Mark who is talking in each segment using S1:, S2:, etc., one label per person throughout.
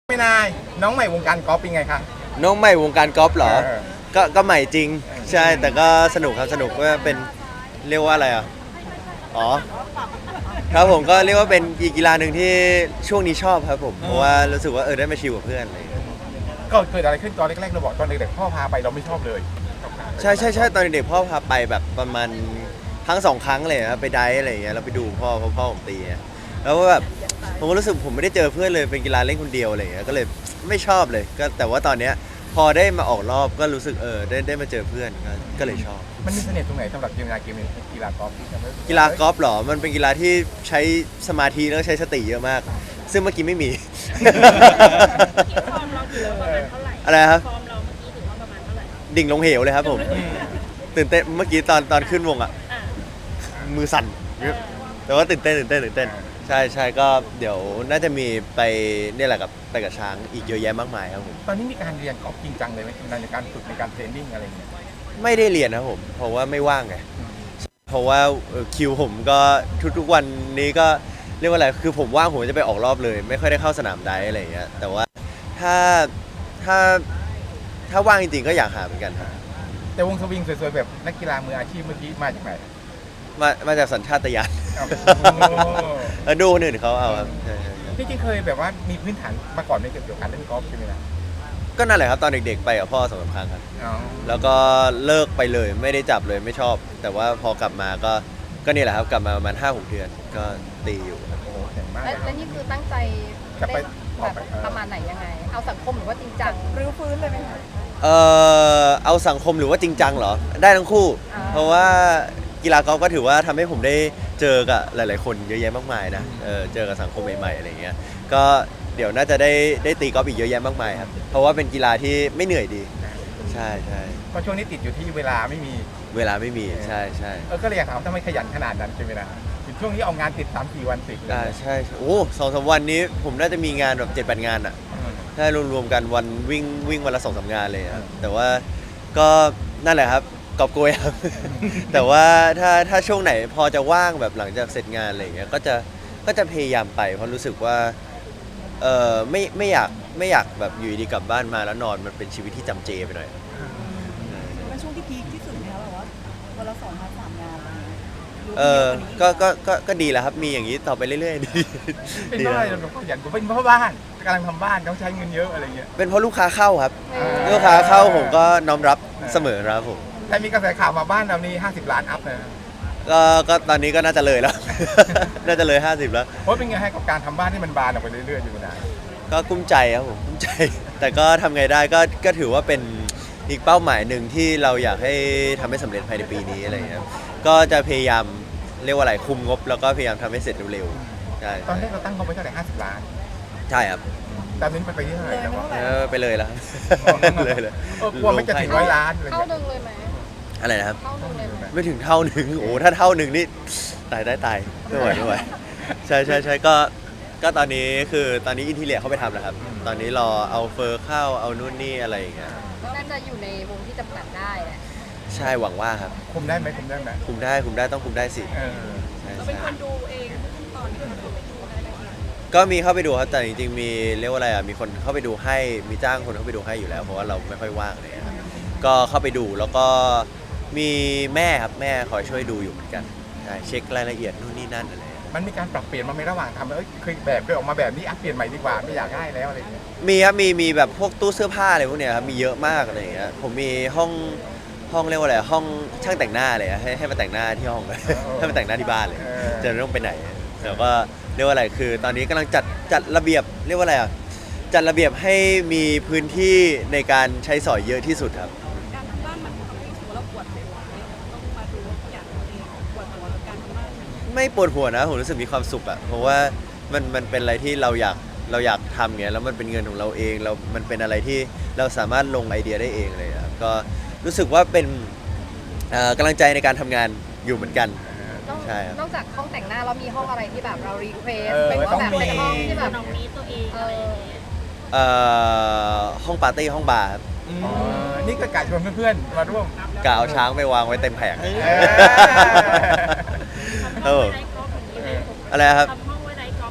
S1: ไม่นายน้องใหม่วงการกอล์ฟเป็นไงคะ
S2: น้องใหม่วงการกอล์ฟเหรอ
S1: เออ
S2: ก็ใหม่จริงใช่แต่ก็สนุกครับสนุกว่าเป็นเรียกว่าอะไรอ่ะอ๋อครับผมก็เรียกว่าเป็นอีกกีฬาหนึ่งที่ช่วงนี้ชอบครับผมเพราะว่ารู้สึกว่าได้มาชิลกับเพื่อนอะไรอย่างเงี้ย
S1: ก็เกิดอะไรขึ้นตอนแรกๆเราบอกตอนเด็กๆพ่อพาไปเราไม่ชอบเลย
S2: ใช่ตอนเด็กๆพ่อพาไปแบบประมาณครั้งสองครั้งเลยครับไปไดฟ์อะไรอย่างเงี้ยเราไปดูพ่อเพราะพ่อผมตีอะแล้วก็แบบผมก็รู้สึกผมไม่ได้เจอเพื่อนเลยเป็นกีฬาเล่นคนเดียวอะไรอย่างเงี้ยก็เลยไม่ชอบเลยก็แต่ว่าตอนเนี้ยพอได้มาออกรอบก็รู้สึกได้มาเจอเพื่อนก็เลยชอบ
S1: มันมีเสน่ห์ตรงไหนสำหรับกีฬากีฬากอล์ฟที่ทำให้
S2: กีฬากอล์ฟเหรอมันเป็นกีฬาที่ใช้สมาธิแล้วก็ใช้สติเยอะมาก ซึ่งเมื่อกี้ไม่มี
S3: ฟอร์มเราถือว่าประมาณเท่าไหร่
S2: อะไรครับ
S3: ฟอร์มเราเมื่อกี้ถือว่าประมาณเท่าไหร่
S2: ดิ่งลงเหวเลยครับผมตื่นเต้นเมื่อกี้ตอนขึ้นวงอ่ะ
S3: อ่า
S2: มือสั่นแต่ว่าตื่นเต้นใช่ก็เดี๋ยวน่าจะมีไปเนี่ยแหละไปกับช้างอีกเยอะแยะมากมายครับผม
S1: ตอนนี้มีการเรียนกอล์ฟจริงจังเลยไหมในการฝึกในการเทรนนิ่งอะไรอย่างเงี้ย
S2: ไม่ได้เรียนนะครับผมเพราะว่าไม่ว่างไงเพราะว่าคิวผมก็ทุกๆวันนี้ก็เรียกว่าอะไรคือผมว่างผมจะไปออกรอบเลย ไม่ค่อยได้เข้าสนามไดฟ์อะไรอย่างเงี้ยแต่ว่าถ้าถ้าถ้าว่างจริงๆก็อยากหาเหมือนกันครับ
S1: แต่วงสวิงสวยๆแบบนักกีฬามืออาชีพเมื่อกี้มาจากไหน
S2: มาจากสัญชาตญาณ
S1: อ้าว
S2: แล้วดูคนอื่นเขาเอาครับใช่
S1: ที่จริงเคยแบบว่ามีพื้นฐานมาก่อนในเกี่ยวกับการเล่นกอล์ฟใช่ไหมนะ
S2: ก็นั่นแหละครับตอนเด็กๆไปกับพ่อสองสามครั้งครับ
S1: อ๋อ
S2: แล้วก็เลิกไปเลยไม่ได้จับเลยไม่ชอบ แต่ว่าพอกลับมาก็นี่แหละครับกลับมาประมาณ5-6 เดือนก็ตีอยู่ครับ
S1: โอ้โหเก่งมากเล
S4: และ
S1: ย
S4: และนี่คือตั้งใจ
S1: จะไป
S4: เล่นแบบประมาณไหนยังไง เอาสังคมหรือว่าจริงจังรื้อฟื้นเลยไหมคะ
S2: เอาสังคมหรือว่าจริงจังเหรอได้ทั้งคู่
S4: อ่า
S2: เพราะว่ากีฬากอล์ฟก็ถือว่าทำให้ผมได้เจอกับหลาย ๆ คนเยอะแยะมากมายนะเจอกับสังคมใหม่ ๆ อะไรเงี้ยก็เดี๋ยวน่าจะได้ตีกอล์ฟอีกเยอะแยะมากมายครับเพราะว่าเป็นกีฬาที่ไม่เหนื่อยดีใช่
S1: เพราะช่วงนี้ติดอยู่ที่เวลาไม่มี
S2: เวลาไม่มีใช่
S1: ก็เลยอยากถามทำไมขยันขนาดนั้นใช่ไหมนะถึงช่วงนี้เอางานติด3-4 วันติดเลย
S2: ใช่โอ้2-3 วันนี้ผมน่าจะมีงานแบบ7-8 งานอ่ะ ถ้ารวมๆกันวันวิ่งวันละ2-3 งานเลยครับแต่ว่าก็นั่นแหละครับกอบโกยครับ แต่ว่าถ้าช่วงไหนพอจะว่างแบบหลังจากเสร็จงานอะไรอย่างเงี้ยก็จะพยายามไปเพราะรู้สึกว่าไม่อยากแบบอยู่ดีกลับบ้านมาแล้วนอนมันเป็นชีวิตที่จำเจไปหน่อย
S5: เป็นช่วงที่พีคที่สุดไหมคะแบบว่าวันละ2-3 งานอะไรอย่างเงี้ยหรือ
S2: เอ
S5: ว่ามี
S2: อ
S5: เยอะกว่านี้
S2: ก็ดีแล้วครับมีอย่างนี้ต่อไปเรื่อยๆดี
S1: เป็น
S2: ดี
S1: เพราะอะไร
S2: แล้ว
S1: เราขยันกูเป็นเพราะบ้านกำลังทำบ้านต้องใช้เงินเยอะอะไรเงี้ย
S2: เป็นเพราะลูกค้าเข้าครับ
S1: อ่า
S2: ลูกค้าเข้าผมก็น้อมรับเสมอครับผม
S1: แต่มีกระแสข่าวมาบ้านเรานี่50 ล้านอัพนะ
S2: ก็ตอนนี้ก็น่าจะเลยแล้ว น่าจะเลย50แล้ว
S1: เพราะเป็นไงให้กับการทำบ้านที่มันบานออกไปเรื่อยๆอยู่นาน
S2: ก็กุ้มใจครับผมกุ้มใจ แต่ก็ทำไงได้ก็ถือว่าเป็นอีกเป้าหมายหนึ่งที่เราอยากให้ทำให้สำเร็จภายในปีนี้อะไรอย่างเงี้ยครับก็จะพยายามเรียกว่าอะไรคุมงบ แล้วก็พยายามทำให้เสร็จเร็วๆใช่
S1: ตอนแรกเราตั้งเขาไว้เท่าไหร่50 ล้าน
S2: ใช่ครับ
S1: ตอนนี้ไปที่เท่าไหร่แล้ววะ
S2: ไปเลยแล้ว เลย
S1: กลัวไม่จะถึง100 ล้านอะไร
S4: เท่า
S1: เงี้ย
S4: ดึงเลยไหม
S2: อะไรนะครับ
S4: เท่าดึงเลยไหม
S2: ไม่ถึงเท่าหนึ่งโอ้ถ้าเท่าหนึ่งนี่ตายไม่ไหวใช่ก็ตอนนี้คือตอนนี้อินทีเลียเข้าไปทำแล้วครับ ตอนนี้รอเอาเฟอร์เข้าเอานู่นนี่อะไรอย่างเงี้ย
S4: น่าจะอยู่ในวงที่จำกัดได้แหละ
S2: ใช่หวังว่าครับ
S1: คุมได้ไหมคุมได้ไหม
S2: คุมได้ต้องคุมได้สิ
S1: เออ
S2: ใช่
S3: เราเป็นคนดูเองทุกตอนที่เราดูได้ไหม
S2: ก็มีเข้าไปดูครับแต่จริงๆมีเรียกว่าอะไรอ่ะมีคนเข้าไปดูให้มีจ้างคนเข้าไปดูให้อยู่แล้วเพราะว่าเราไม่ค่อยว่างเลยครับก็เข้าไปดูแล้วก็มีแม่ครับแม่คอยช่วยดูอยู่เหมือนกันใช่เช็ครายละเอียดนู่นนี่นั่นอะไร
S1: มันมีการปรับเปลี่ยนมาในระหว่างทำเคยออกมาแบบนี้เปลี่ยนใหม่ดีกว่าไม่อยากได้แล้วอะไรเงี้ย
S2: มีครับมีแบบพวกตู้เสื้อผ้าอะไรพวกเนี้ยครับมีเยอะมากอะไรอย่างเงี้ยผมมีห้องเรียกว่าอะไรห้องช่างแต่งหน้าเลยอะให้มาแต่งหน้าที่ห้องเลย ให้มาแต่งหน้าที่บ้านเลยจะไม่ต้องไปไหนแต่ก็เรียกว่าอะไรคือ ตอนนี้กำลังจัดระเบียบเรียกว่าอะไรอ่ะจัดระเบียบให้มีพื้นที่ในการใช้สอยเยอะที่สุดครับ
S3: การทำบ้านมันทำให้รู้สึกว่าเราปวดหัวไหมต้องมาดูทุกอย่างตัวเองปวดหัวกับการทำบ้าน
S2: ไม่ปวดหัวนะผมรู้สึกมีความสุขอะเพราะว่ามันเป็นอะไรที่เราอยากทำเงี้ยแล้วมันเป็นเงินของเราเองมันเป็นอะไรที่เราสามารถลงไอเดียได้เองเลยครับก็รู้สึกว่าเป็นกำลังใจในการทำงานอยู่เหมือนกัน ใช่ครับ
S4: นอกจากห้องแต่งหน้าเรามีห้องอะไรที่แบบเรารีเควส
S1: เออ
S4: เป็นว่าแบบเป็นห้องที่แบบ
S3: น้องนี้ตัวเองอะไรอย่างเงี้ย
S2: ห้องปาร์ตี้ห้องบาร์ครับ
S1: อ๋อนี่ก็กะชวนเพื่อนๆมาร่วม
S2: กะเอาช้างไปวางไว้เต็มแผง
S1: เออ
S2: เออ
S3: ทำห้องไว้ไดกอล์ฟอย่างนี้เลย
S2: อะไรครับ
S3: ทำห้องไว้ไดกอล์ฟเลย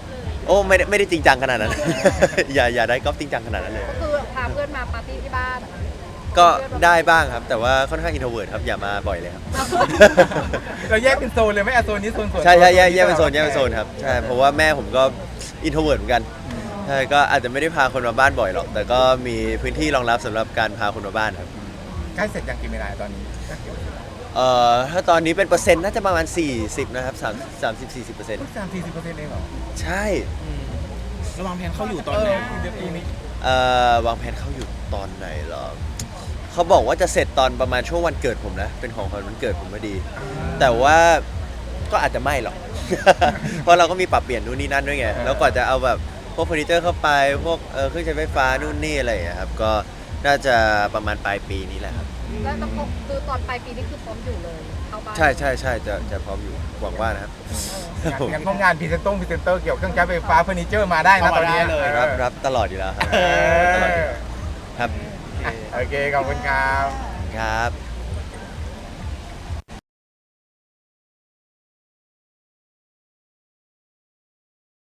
S2: โอ้ไม่ได้จริงจังขนาดนั้น อย่าได้กอล์ฟจริงจังขนาดนั้นเลย
S4: ก็คือพาเพื่อนมาปาร์ตี้ที่บ้าน
S2: ก็ได้บ้างครับ แต่ว่าค่อนข้างอินโทรเวิร์ดครับอย่ามาบ่อยเลยครับ
S1: เราแยกเป็นโซนเลยไหมโซนนี้โซนส่วน
S2: ใช่แยกเป็นโซนครับใช่เพราะว่าแม่ผมก็อินโทรเวิร์ดเหมือนกันใช่ก็อาจจะไม่ได้พาคนมาบ้านบ่อยหรอก แต่ก็มีพื้นที่รองรับสำหรับการพาคนมาบ้านครับ
S1: ใกล้เสร็จยังกี่เวลาตอนนี้
S2: ถ้าตอนนี้เป็นเปอร์เซ็นต์น่าจะประมาณ40นะครับ30-40%
S1: 30-40%เองเหรอ
S2: ใช่
S6: ระวังแผนเข้าอยู่ตอนไหน
S1: เดี๋ยวปีนี้
S2: วางแผนเข้าอยู่ตอนไหนเหรอเขาบอกว่าจะเสร็จตอนประมาณช่วงวันเกิดผมนะเป็นของขวัญวันเกิดผมพอดี แต่ว่าก็อาจจะไม่หรอก เพราะเราก็มีปรับเปลี่ยนนู่นนี่นั่นด้วยไงแล้วกว่าจะเอาแบบพวกเฟอร์นิเจอร์เข้าไปพวกเครื่องใช้ไฟฟ้านู่นนี่อะไรอย่างเงี้ยครับก็น่าจะประมาณปลายปีนี้แหละครับ
S4: แล้วก็คือตอนปลายปีนี่คือพร้อมอยู่เลยเข้าบ้าน
S2: ใช่จะพร้อมอยู่หวังว่านะครับ
S1: งานพวกงานพรีเซนเตอร์เกี่ยวกับเครื่องใช้ไฟฟ้าเฟอร์นิเจอร์มาได้นะตอนนี้
S2: รับตลอดอยู่แล้วครับ
S1: เออ
S2: ตลอดอยู่ครับ
S1: โอเคขอบคุณครับ
S2: ครับ